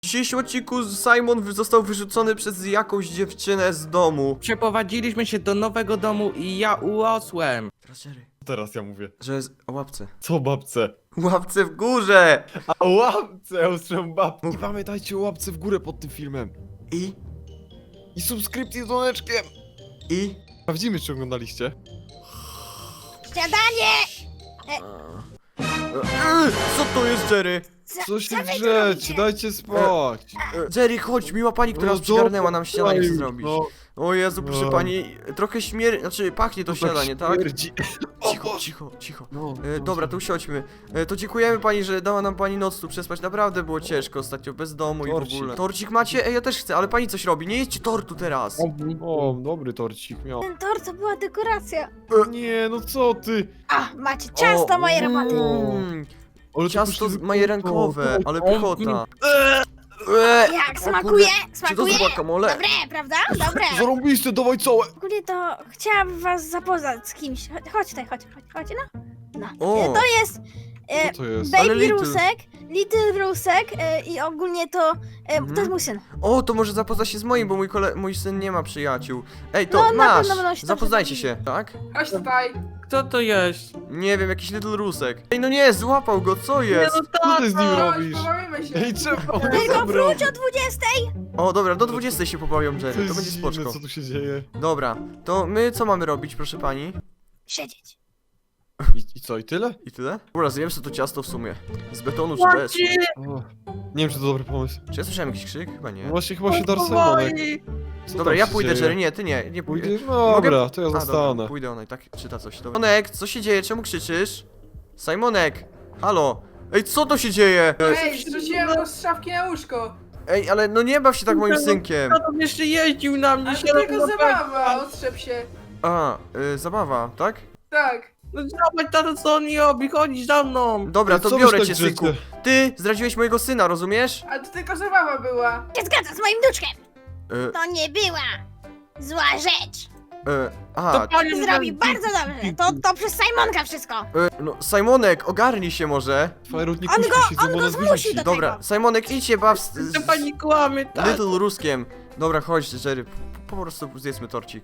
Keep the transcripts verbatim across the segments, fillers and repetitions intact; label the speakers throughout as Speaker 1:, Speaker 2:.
Speaker 1: W dzisiejszym odcinku Simon został wyrzucony przez jakąś dziewczynę z domu.
Speaker 2: Przeprowadziliśmy się do nowego domu i ja urosłem.
Speaker 1: Teraz Jerry,
Speaker 3: Teraz ja mówię.
Speaker 1: że jest o łapce.
Speaker 3: Co babce?
Speaker 1: Łapce w górze!
Speaker 3: A łapce, ja usłyszałem babkę. I pamiętajcie o łapce w górę pod tym filmem.
Speaker 1: I?
Speaker 3: I subskrypcji z dzwoneczkiem.
Speaker 1: I?
Speaker 3: Sprawdzimy, czy oglądaliście.
Speaker 4: Śniadanie!
Speaker 1: Eee, co to jest, Jerry?
Speaker 4: Co,
Speaker 3: Co się
Speaker 4: co wy tu
Speaker 3: drzecie?
Speaker 4: robicie?
Speaker 3: Dajcie spać.
Speaker 1: E, Jerry, chodź, miła pani, która
Speaker 3: No
Speaker 1: nas przygarnęła
Speaker 3: dobra,
Speaker 1: nam śniadanie chce
Speaker 3: już,
Speaker 1: zrobić.
Speaker 3: no.
Speaker 1: O Jezu, proszę
Speaker 3: No.
Speaker 1: pani, trochę śmier... Znaczy, pachnie to
Speaker 3: To
Speaker 1: śniadanie, tak?
Speaker 3: śmierdzi.
Speaker 1: Cicho, cicho, cicho.
Speaker 3: No,
Speaker 1: E, dobra, to usiądźmy. E, to dziękujemy pani, że dała nam pani noc tu przespać. Naprawdę było ciężko ostatnio, bez domu i w
Speaker 3: Torcik.
Speaker 1: ogóle. Torcik macie? Ej, ja też chcę, ale pani coś robi. Nie jedźcie tortu teraz.
Speaker 3: O, dobry torcik miał.
Speaker 4: Ten tort to była dekoracja.
Speaker 3: Nie, no co ty?
Speaker 4: A, macie ciasto
Speaker 1: O,
Speaker 4: moje roboty.
Speaker 1: mm,
Speaker 3: Ale to
Speaker 1: Ciasto
Speaker 3: poszli-
Speaker 1: majerankowe,
Speaker 3: O,
Speaker 1: ale
Speaker 2: o,
Speaker 1: pychota. Eee,
Speaker 4: Jak
Speaker 1: o
Speaker 4: smakuje?
Speaker 1: kurde, Czy to
Speaker 4: Smakuje?
Speaker 1: jest guacamole?
Speaker 4: Dobre, prawda? Dobre.
Speaker 3: Zarąbiste, dawaj całe.
Speaker 4: Ogólnie to chciałabym was zapoznać z kimś. Chodź- Chodź tutaj, chodź, chodź, chodź, no. No.
Speaker 1: O.
Speaker 4: E, To jest e,
Speaker 3: Co to jest?
Speaker 1: Ale
Speaker 4: Baby
Speaker 1: Little.
Speaker 4: Rusek, Little Rusek e, i ogólnie to, e,
Speaker 1: Mhm.
Speaker 4: to jest mój syn.
Speaker 1: O, to może zapozna się z moim, bo mój, kole... mój syn nie ma przyjaciół. Ej, to
Speaker 4: No, na
Speaker 1: masz!
Speaker 4: pewno będą się
Speaker 1: Zapoznajcie
Speaker 4: dobrze
Speaker 1: się, tak?
Speaker 5: Chodź tutaj.
Speaker 2: Kto to jest?
Speaker 1: Nie wiem, jakiś Little Rusek. Ej, no nie, złapał go, co jest?
Speaker 2: Nie, no
Speaker 3: Co ty z nim
Speaker 5: Chodź,
Speaker 3: robisz?
Speaker 5: pobawimy się.
Speaker 3: Ej, czemu?
Speaker 4: Tylko wróć o dwudziestej.
Speaker 1: O, dobra, do dwudziestej się pobawią,
Speaker 3: To
Speaker 1: Jerry, to
Speaker 3: jest
Speaker 1: będzie
Speaker 3: dziwne,
Speaker 1: spoczko.
Speaker 3: co tu się dzieje.
Speaker 1: Dobra, to my co mamy robić, proszę pani?
Speaker 4: Siedzieć.
Speaker 3: I, i co, i tyle?
Speaker 1: I tyle? Dobra, zjem sobie to ciasto w sumie. Z betonu czy bez?
Speaker 2: Łaci!
Speaker 3: O, nie wiem, czy to dobry pomysł.
Speaker 1: Czy ja słyszałem jakiś krzyk? Chyba
Speaker 3: No
Speaker 1: nie.
Speaker 3: właśnie, chyba się dar Simonek. Co
Speaker 1: Dobra,
Speaker 3: tam
Speaker 1: ja
Speaker 3: się
Speaker 1: pójdę,
Speaker 3: dzieje?
Speaker 1: Jerry, nie, ty nie, nie pójdę.
Speaker 3: Pójdziesz? No dobra, to ja
Speaker 1: A, dobra,
Speaker 3: zostanę.
Speaker 1: pójdę, ona i tak czyta coś. Dobra. Simonek, co się dzieje? Czemu krzyczysz? Simonek, halo. Ej, co to się dzieje?
Speaker 5: Ej, zrzuciłem go z szafki na łóżko.
Speaker 1: Ej, ale no nie baw się tak moim synkiem.
Speaker 2: Kto tam jeszcze jeździł na mnie?
Speaker 5: Ale
Speaker 2: się
Speaker 5: to tylko
Speaker 2: robiło
Speaker 5: zabawa, otrzep się.
Speaker 1: A, y, zabawa, tak?
Speaker 5: Tak.
Speaker 2: No zobacz tato, co on robi, chodź za mną.
Speaker 1: Dobra,
Speaker 3: Ej,
Speaker 1: to
Speaker 3: co wy
Speaker 1: biorę
Speaker 3: tak
Speaker 1: cię,
Speaker 3: drzecie?
Speaker 1: synku. Ty zdradziłeś mojego syna, rozumiesz?
Speaker 5: Ale to tylko zabawa była.
Speaker 4: Się zgadza z moim wnuczkiem.
Speaker 1: Y,
Speaker 4: To nie była zła rzecz.
Speaker 1: y, a,
Speaker 2: To pani
Speaker 4: Zrobi bardzo dobrze. To, to przez Simonka wszystko.
Speaker 1: y, no, Simonek, ogarnij się może.
Speaker 3: Fajerut nie
Speaker 4: On
Speaker 3: kusi
Speaker 4: go-
Speaker 3: się,
Speaker 4: on
Speaker 3: bo
Speaker 4: go
Speaker 3: nas
Speaker 4: zmusi
Speaker 3: wyrzuci.
Speaker 4: do-
Speaker 1: Dobra, Simonek, idź się baw z, z,
Speaker 2: To pani kłamie, tak?
Speaker 1: Little Ruskiem. Dobra, chodź, Jerry, po, po prostu zjedzmy torcik.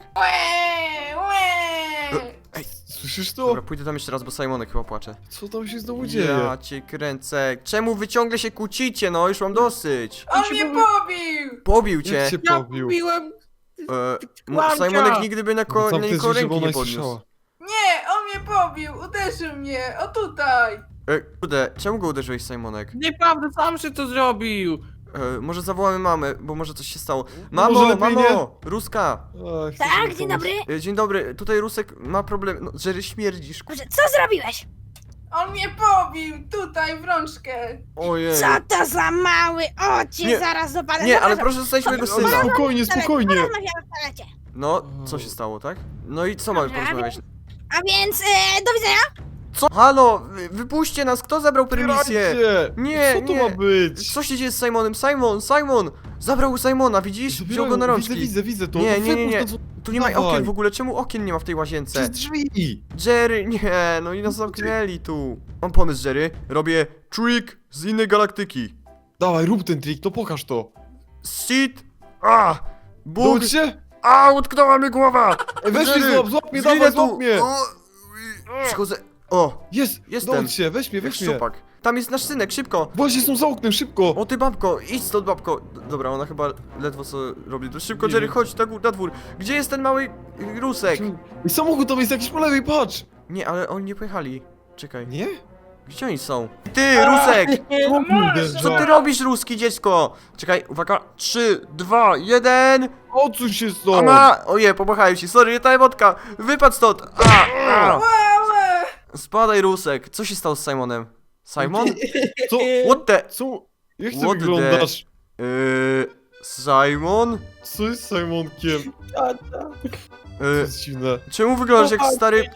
Speaker 5: Łe, łe.
Speaker 3: Słyszysz to?
Speaker 1: Dobra, pójdę tam jeszcze raz, bo Simonek chyba płacze.
Speaker 3: Co tam się znowu dzieje?
Speaker 1: Ja cię kręcę. Czemu wy ciągle się kłócicie, no? Już mam dosyć.
Speaker 5: On mnie pobił.
Speaker 1: Pobił cię.
Speaker 3: Jak cię
Speaker 2: Ja
Speaker 3: pobił?
Speaker 2: kupiłem.
Speaker 1: E, m-
Speaker 2: Kłamcia.
Speaker 1: Simonek nigdy by na, ko
Speaker 3: No
Speaker 1: na
Speaker 3: tam
Speaker 1: nikogo
Speaker 3: ty żeby
Speaker 1: ręki
Speaker 3: ona
Speaker 1: nie
Speaker 3: słyszała.
Speaker 1: podniósł.
Speaker 5: Nie, on mnie pobił. Uderzył mnie. O tutaj.
Speaker 1: E, kurde, czemu go uderzyłeś, Simonek?
Speaker 2: Nieprawda, sam się to zrobił.
Speaker 1: E, może zawołamy mamę, bo może coś się stało.
Speaker 3: Może
Speaker 1: Mamo,
Speaker 3: lepiej
Speaker 1: mamo! Ruska!
Speaker 3: Ach, chcę
Speaker 4: Tak,
Speaker 3: sobie
Speaker 4: dzień
Speaker 3: pomóc.
Speaker 4: dobry.
Speaker 1: E, dzień dobry, tutaj Rusek ma problem. No, Jerry, śmierdzisz.
Speaker 4: Dobrze, co zrobiłeś?
Speaker 5: On mnie pobił. Tutaj w rączkę.
Speaker 1: Ojej.
Speaker 4: Co to za mały? O, cię
Speaker 1: Nie,
Speaker 4: zaraz dopadnę.
Speaker 1: Nie, ale
Speaker 4: Zapraszam.
Speaker 1: proszę zostawić mojego
Speaker 3: Ale
Speaker 1: syna.
Speaker 3: spokojnie, spokojnie.
Speaker 4: Porozmawiamy w toalecie.
Speaker 1: No, co się stało, tak? No i co mamy
Speaker 4: Dobra,
Speaker 1: porozmawiać?
Speaker 4: A więc, e, do widzenia.
Speaker 1: Co? Halo, wy- wypuśćcie nas, kto zabrał permisję?
Speaker 3: Otwierajcie!
Speaker 1: Nie,
Speaker 3: Co to
Speaker 1: nie.
Speaker 3: ma być?
Speaker 1: Co się dzieje z Simonem? Simon, Simon! Zabrał Simona, widzisz? Wziął go na rączki.
Speaker 3: Widzę, widzę, widzę to.
Speaker 1: Nie,
Speaker 3: No
Speaker 1: nie, nie,
Speaker 3: wypuść
Speaker 1: nie.
Speaker 3: to, co-
Speaker 1: Tu nie ma
Speaker 3: Dawaj.
Speaker 1: okien w ogóle, czemu okien nie ma w tej łazience?
Speaker 3: Przez drzwi!
Speaker 1: Jerry, nie, no i nas zamknęli tu. Mam pomysł, Jerry. Robię trick z innej galaktyki.
Speaker 3: Dawaj, rób ten trik, to pokaż to.
Speaker 1: Sit! A! Bóg!
Speaker 3: Bóg się?
Speaker 1: A! Utknęła mi głowa!
Speaker 3: Ej, weź mnie
Speaker 1: Jerry,
Speaker 3: złap, złap mnie,
Speaker 1: zginę
Speaker 3: dawaj,
Speaker 1: tu.
Speaker 3: złap mnie!
Speaker 1: O, Przychodzę. O!
Speaker 3: Jest,
Speaker 1: Jestem.
Speaker 3: dołóż się, weź mnie,
Speaker 1: Jak
Speaker 3: weź mnie.
Speaker 1: szczupak. Tam jest nasz synek, szybko!
Speaker 3: Właśnie są za oknem, szybko!
Speaker 1: O ty babko, idź stąd babko. D- Dobra, ona chyba ledwo co robi. To szybko,
Speaker 3: Nie
Speaker 1: Jerry,
Speaker 3: wiem.
Speaker 1: chodź na, gó- na dwór. Gdzie jest ten mały y, Rusek?
Speaker 3: I samochód tam jest jakiś po lewej, patrz!
Speaker 1: Nie, ale oni nie pojechali. Czekaj,
Speaker 3: Nie?
Speaker 1: gdzie oni są? Ty, Rusek!
Speaker 3: O kurde,
Speaker 1: Co ty robisz, ruski dziecko? Czekaj, uwaga, trzy, dwa, jeden.
Speaker 3: Odsuń się stąd!
Speaker 1: Ona! Oje, pomachałem ci, sorry, nie ta emotka. Wypadł stąd. A, a.
Speaker 5: Łe, łe.
Speaker 1: Spadaj, Rusek. Co się stało z Simonem? Simon?
Speaker 3: Co?
Speaker 1: What the?
Speaker 3: Co? Jak ty
Speaker 1: What the-
Speaker 3: wyglądasz?
Speaker 1: Yy, Simon?
Speaker 3: Co jest z Simonkiem?
Speaker 2: Tata.
Speaker 3: To
Speaker 1: Yy,
Speaker 3: jest dziwne.
Speaker 1: czemu wyglądasz jak stary...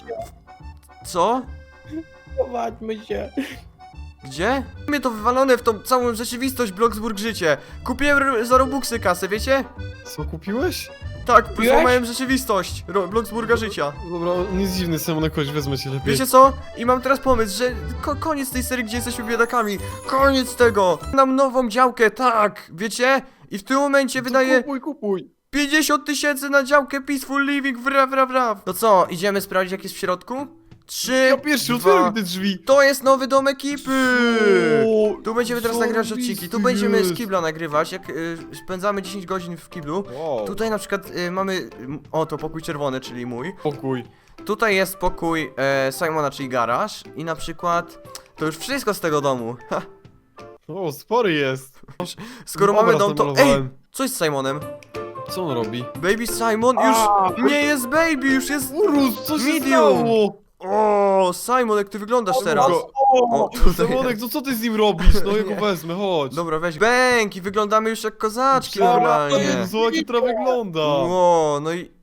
Speaker 1: Co?
Speaker 2: Chowadźmy się.
Speaker 1: Gdzie? Mnie to wywalone w tą całą rzeczywistość Bloxburg życie. Kupiłem r- za Robuxy kasę, wiecie?
Speaker 3: Co kupiłeś?
Speaker 1: Tak,
Speaker 2: Piłeś?
Speaker 1: złamałem rzeczywistość. Ro- Bloxburga życia.
Speaker 3: Dobra, on jest dziwny, Simonek, chodź, wezmę cię lepiej.
Speaker 1: Wiecie co? I mam teraz pomysł, że ko koniec tej serii, gdzie jesteśmy biedakami. Koniec tego. Nam nową działkę, tak. Wiecie? I w tym momencie
Speaker 3: To
Speaker 1: wydaje
Speaker 3: Kupuj, kupuj.
Speaker 1: pięćdziesiąt tysięcy na działkę Peaceful Living, wra, wra, wra. To co, idziemy sprawdzić, jak jest w środku? Trzy,
Speaker 3: Ja pierwszy
Speaker 1: dwa...
Speaker 3: otwieram te drzwi.
Speaker 1: To jest nowy dom ekipy!
Speaker 3: O,
Speaker 1: Tu będziemy teraz nagrywać odcinki. Tu
Speaker 3: zajebisty
Speaker 1: będziemy z
Speaker 3: jest.
Speaker 1: kibla nagrywać, jak y, spędzamy dziesięć godzin w kiblu.
Speaker 3: Wow.
Speaker 1: Tutaj na przykład y, mamy, y, o to pokój czerwony, czyli mój.
Speaker 3: Pokój.
Speaker 1: Tutaj jest pokój e, Simona, czyli garaż. I na przykład, to już wszystko z tego domu. Ha,
Speaker 3: O, spory jest.
Speaker 1: skoro
Speaker 3: Obraz
Speaker 1: mamy dom, to... Ej!
Speaker 3: namalowałem.
Speaker 1: Co jest z Simonem?
Speaker 3: Co on robi?
Speaker 1: Baby Simon już nie jest baby, już jest...
Speaker 3: Urus, co się
Speaker 1: Medium.
Speaker 3: stało?
Speaker 1: O, Simon, jak ty wyglądasz teraz?
Speaker 3: O,
Speaker 1: O, tutaj
Speaker 3: Simonek,
Speaker 1: jest.
Speaker 3: to co ty z nim robisz? No ja go wezmę, chodź.
Speaker 1: Dobra, weź bęk i wyglądamy już jak kozaczki
Speaker 3: Dobra,
Speaker 1: normalnie.
Speaker 3: Zobacz, jak to wygląda.
Speaker 1: Ło, no i...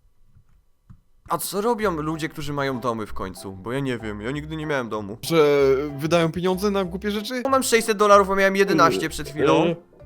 Speaker 1: A co robią ludzie, którzy mają domy w końcu? Bo ja nie wiem, ja nigdy nie miałem domu.
Speaker 3: Że wydają pieniądze na głupie rzeczy?
Speaker 1: No, mam sześćset dolarów, a miałem jedenaście przed chwilą.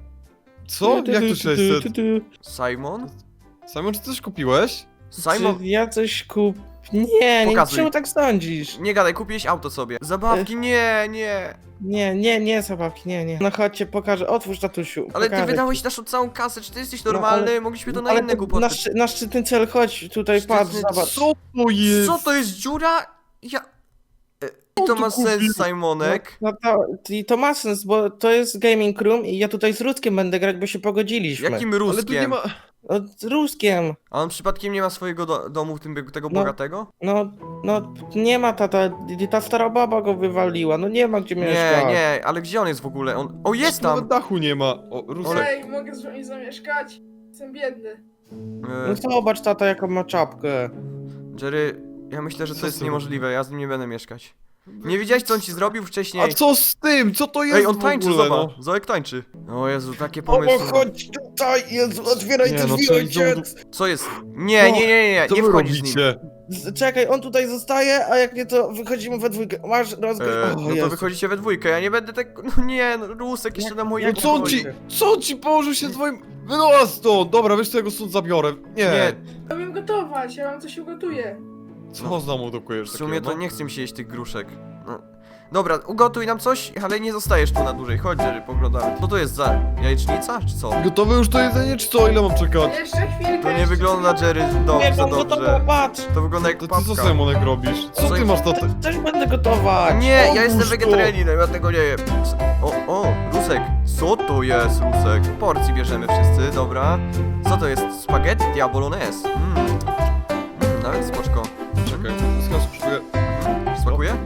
Speaker 3: Co? Jak to sześćset?
Speaker 1: Simon?
Speaker 3: Simon, czy coś kupiłeś?
Speaker 1: Simon?
Speaker 2: Czy ja coś kup... Nie, nie,
Speaker 1: Pokazuj.
Speaker 2: czemu tak sądzisz?
Speaker 1: Nie gadaj, kupiłeś auto sobie. Zabawki, nie, nie.
Speaker 2: Nie, nie, nie, zabawki, nie, nie. No chodźcie, pokażę, otwórz tatusiu.
Speaker 1: Ale ty
Speaker 2: pokażę
Speaker 1: wydałeś
Speaker 2: ci.
Speaker 1: naszą całą kasę, czy ty jesteś
Speaker 2: No,
Speaker 1: normalny?
Speaker 2: ale-
Speaker 1: Mogliśmy to na
Speaker 2: Ale
Speaker 1: inne
Speaker 2: to
Speaker 1: głupoty.
Speaker 2: na, szczy, na szczytny cel, chodź tutaj,
Speaker 1: Szczytny
Speaker 2: patrz,
Speaker 1: cel.
Speaker 2: zobacz.
Speaker 3: Co to jest?
Speaker 1: Co to jest dziura? Ja... E, I to ma sens, Simonek.
Speaker 2: No to, i to ma sens, bo to jest gaming room i ja tutaj z Ruskiem będę grać, bo się pogodziliśmy.
Speaker 1: Jakim
Speaker 3: Ale tu nie
Speaker 1: Ruskiem?
Speaker 3: ma...
Speaker 2: No, z Ruskiem.
Speaker 1: A on przypadkiem nie ma swojego do domu, w tym tego
Speaker 2: No.
Speaker 1: bogatego?
Speaker 2: No, no, nie ma tata, ta stara baba go wywaliła, no nie ma gdzie
Speaker 1: Nie,
Speaker 2: mieszkać.
Speaker 1: nie, ale gdzie on jest w ogóle? On... O, jest
Speaker 3: Nawet
Speaker 1: tam!
Speaker 3: dachu nie ma. O, Rusek.
Speaker 5: Ej, mogę z wami zamieszkać? Jestem biedny.
Speaker 1: E,
Speaker 2: No zobacz tata, jaką ma czapkę.
Speaker 1: Jerry, ja myślę, że to
Speaker 3: Co
Speaker 1: jest
Speaker 3: ty
Speaker 1: niemożliwe, ja z nim nie będę mieszkać. Nie widziałeś, co on ci zrobił wcześniej?
Speaker 3: A co z tym? Co to jest
Speaker 1: Ej, on
Speaker 3: w
Speaker 1: tańczy,
Speaker 3: ogóle,
Speaker 1: zobacz.
Speaker 3: no?
Speaker 1: Zoek tańczy. O Jezu, takie
Speaker 2: Bobo,
Speaker 1: pomysły.
Speaker 2: chodź tutaj, Jezu, otwieraj
Speaker 3: Nie,
Speaker 2: te
Speaker 3: no
Speaker 2: drzwi,
Speaker 3: co,
Speaker 2: ojciec.
Speaker 1: Co jest? Nie, nie, nie, nie, nie,
Speaker 3: Co
Speaker 1: nie
Speaker 3: wy
Speaker 1: wchodzisz z nim.
Speaker 3: robicie?
Speaker 2: Z- Czekaj, on tutaj zostaje, a jak nie to wychodzimy we dwójkę. Masz rozgryź.
Speaker 1: E,
Speaker 2: o,
Speaker 1: no to
Speaker 2: Jezu.
Speaker 1: wychodzicie we dwójkę, ja nie będę tak... No nie, no Rusek jeszcze
Speaker 2: Jak-
Speaker 1: na moje...
Speaker 2: jak
Speaker 3: Co on ci... Co on ci położył się twoim... Wynoła stąd! Dobra, wiesz co, ja go stąd zabiorę. Nie.
Speaker 1: Nie,
Speaker 5: Ja wiem gotować, ja wam coś ugotuję.
Speaker 3: Co znowu dokujesz
Speaker 1: w sumie to
Speaker 3: takiego,
Speaker 1: nie chcę mi się jeść tych gruszek. No. Dobra, ugotuj nam coś, ale nie zostajesz tu na dłużej. Chodź, Jerry, poglądamy. Co to jest za jajecznica, czy co?
Speaker 3: no? Gotowe już to jedzenie, czy co? Ile mam czekać?
Speaker 5: Jeszcze chwilkę.
Speaker 1: To nie
Speaker 5: jeszcze
Speaker 1: wygląda,
Speaker 5: chwilkę.
Speaker 1: Jerry,
Speaker 2: Nie,
Speaker 1: dobrze,
Speaker 2: mam gotowe,
Speaker 1: dobrze.
Speaker 2: patrz.
Speaker 1: To wygląda jak
Speaker 3: To ty co,
Speaker 1: papka.
Speaker 3: Simonek, robisz? Co
Speaker 1: Co-
Speaker 3: ty masz na
Speaker 2: Też,
Speaker 3: te...
Speaker 2: też będę gotować.
Speaker 1: Nie, ja
Speaker 3: Otwórz
Speaker 1: jestem
Speaker 3: to.
Speaker 1: wegetarianinem, ja tego nie jem. O, o, Rusek. Co to jest, Rusek? Porcji bierzemy wszyscy, dobra. Co to jest? Spaghetti a bolognese. Mm. Mm, nawet spoczko.
Speaker 3: Czekaj, skąd spróbuję...
Speaker 1: Mm, smakuje?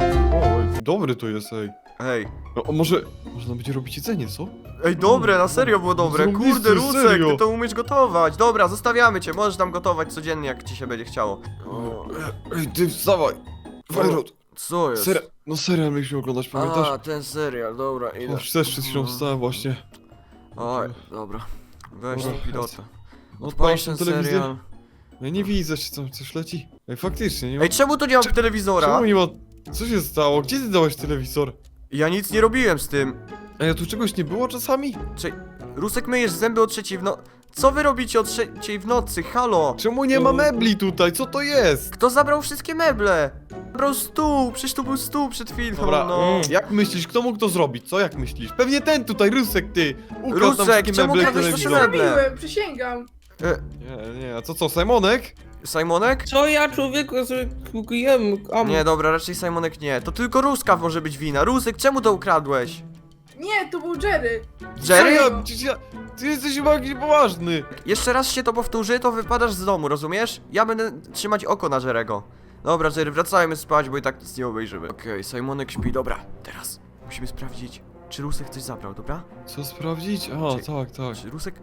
Speaker 3: O, dobry to jest, ej.
Speaker 1: Ej.
Speaker 3: No, a może... Można będzie robić jedzenie, co?
Speaker 1: Ej, dobre, na serio było dobre.
Speaker 3: Zarąbiste,
Speaker 1: Kurde, Rusek,
Speaker 3: serio.
Speaker 1: ty to umiesz gotować. Dobra, zostawiamy cię, możesz tam gotować codziennie, jak ci się będzie chciało. O,
Speaker 3: Ej, ty wstawaj! Fajrot!
Speaker 1: co jest?
Speaker 3: Ser... No serial mieliśmy oglądać, pamiętasz?
Speaker 1: A, ten serial, dobra, idę.
Speaker 3: O, też przed chwilą wstałem właśnie.
Speaker 1: Oj, dobra. Weź
Speaker 3: Dobra,
Speaker 1: tą pilota.
Speaker 3: Odpalasz
Speaker 1: Odpalisz
Speaker 3: tę
Speaker 1: ten
Speaker 3: telewizję?
Speaker 1: serial.
Speaker 3: Ja nie widzę, czy tam coś leci. Ej, faktycznie, nie ma...
Speaker 1: Ej, czemu tu nie mam telewizora?
Speaker 3: Czemu nie ma... Co się stało? Gdzie ty dałeś telewizor?
Speaker 1: Ja nic nie robiłem z tym.
Speaker 3: Ej, a tu czegoś nie było czasami?
Speaker 1: Cze Rusek, myjesz zęby o trzeciej w no... Co wy robicie o trzeciej w nocy? Halo?
Speaker 3: Czemu nie ma mebli tutaj? Co to jest?
Speaker 1: Kto zabrał wszystkie meble? Zabrał stół, przecież tu był stół przed chwilą,
Speaker 3: Dobra,
Speaker 1: no.
Speaker 2: mm.
Speaker 3: jak myślisz, kto mógł to zrobić? Co, jak myślisz? Pewnie ten tutaj, Rusek, ty! Ukradł nam
Speaker 1: Rusek,
Speaker 3: wszystkie
Speaker 1: czemu
Speaker 3: meble i
Speaker 1: kradłeś
Speaker 3: telewizor.
Speaker 1: nasze meble?
Speaker 5: Zrobiłem, przysięgam.
Speaker 1: E,
Speaker 3: Nie, nie, a co, co, Simonek?
Speaker 1: Simonek?
Speaker 2: Co ja, człowieku, ja sobie kupiłem, a
Speaker 1: Nie, dobra, raczej Simonek nie. To tylko Ruska może być wina. Rusek, czemu to ukradłeś?
Speaker 5: Nie, to był Jerry.
Speaker 1: Jerry?
Speaker 3: Ja, przecież ja, ty jesteś chyba jakiś poważny!
Speaker 1: Jeszcze raz się to powtórzy, to wypadasz z domu, rozumiesz? Ja będę trzymać oko na Jerego. Dobra, Jerry, wracajmy spać, bo i tak nic nie obejrzymy. Okej, Simonek śpi, dobra. Teraz musimy sprawdzić, czy Rusek coś zabrał, dobra?
Speaker 3: Co sprawdzić? A,
Speaker 1: Czy-
Speaker 3: tak, tak.
Speaker 1: Czy Rusek...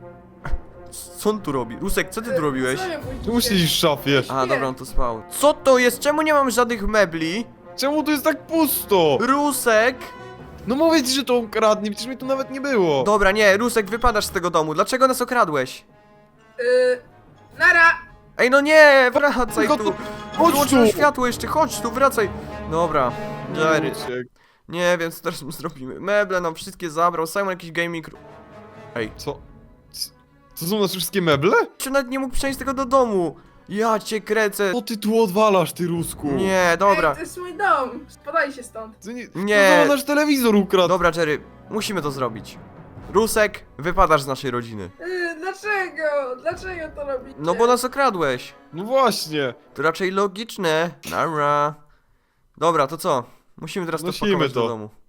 Speaker 1: Co on tu robi? Rusek, co ty tu robiłeś?
Speaker 5: Co ja pójdę?
Speaker 3: Czemu siedzisz w szafie?
Speaker 1: A, dobra, on tu spał. Co to jest? Czemu nie mam żadnych mebli?
Speaker 3: Czemu tu jest tak pusto?
Speaker 1: Rusek!
Speaker 3: No mówię ci, że to ukradnie, przecież mnie tu nawet nie było.
Speaker 1: Dobra, nie, Rusek, wypadasz z tego domu. Dlaczego nas okradłeś?
Speaker 5: Yy, nara.
Speaker 1: Ej, no nie, wracaj
Speaker 3: Tylko
Speaker 1: tu.
Speaker 3: tu- chodź
Speaker 1: Wyłączyłem
Speaker 3: tu.
Speaker 1: światło jeszcze, chodź tu, wracaj. Dobra, Jerry.
Speaker 3: Uciekł.
Speaker 1: Nie wiem, co teraz zrobimy. Meble nam wszystkie zabrał, Simon jakiś gaming... Ej,
Speaker 3: Co? C- Co są nasze wszystkie meble?
Speaker 1: Czy nawet nie mógł przenieść tego do domu? Ja cię kręcę.
Speaker 3: Co ty tu odwalasz, ty Rusku?
Speaker 1: Nie, dobra.
Speaker 5: Ej, to jest mój dom. Spadajcie stąd.
Speaker 3: Ty nie.
Speaker 1: Nie.
Speaker 3: To nasz telewizor ukradł.
Speaker 1: Dobra, Jerry, musimy to zrobić. Rusek, wypadasz z naszej rodziny.
Speaker 5: Yy, dlaczego? Dlaczego to robicie?
Speaker 1: No bo nas okradłeś.
Speaker 3: No właśnie.
Speaker 1: To raczej logiczne. Nara. Dobra, to co? Musimy teraz to
Speaker 3: Nosimy
Speaker 1: pakować
Speaker 3: to.
Speaker 1: do domu.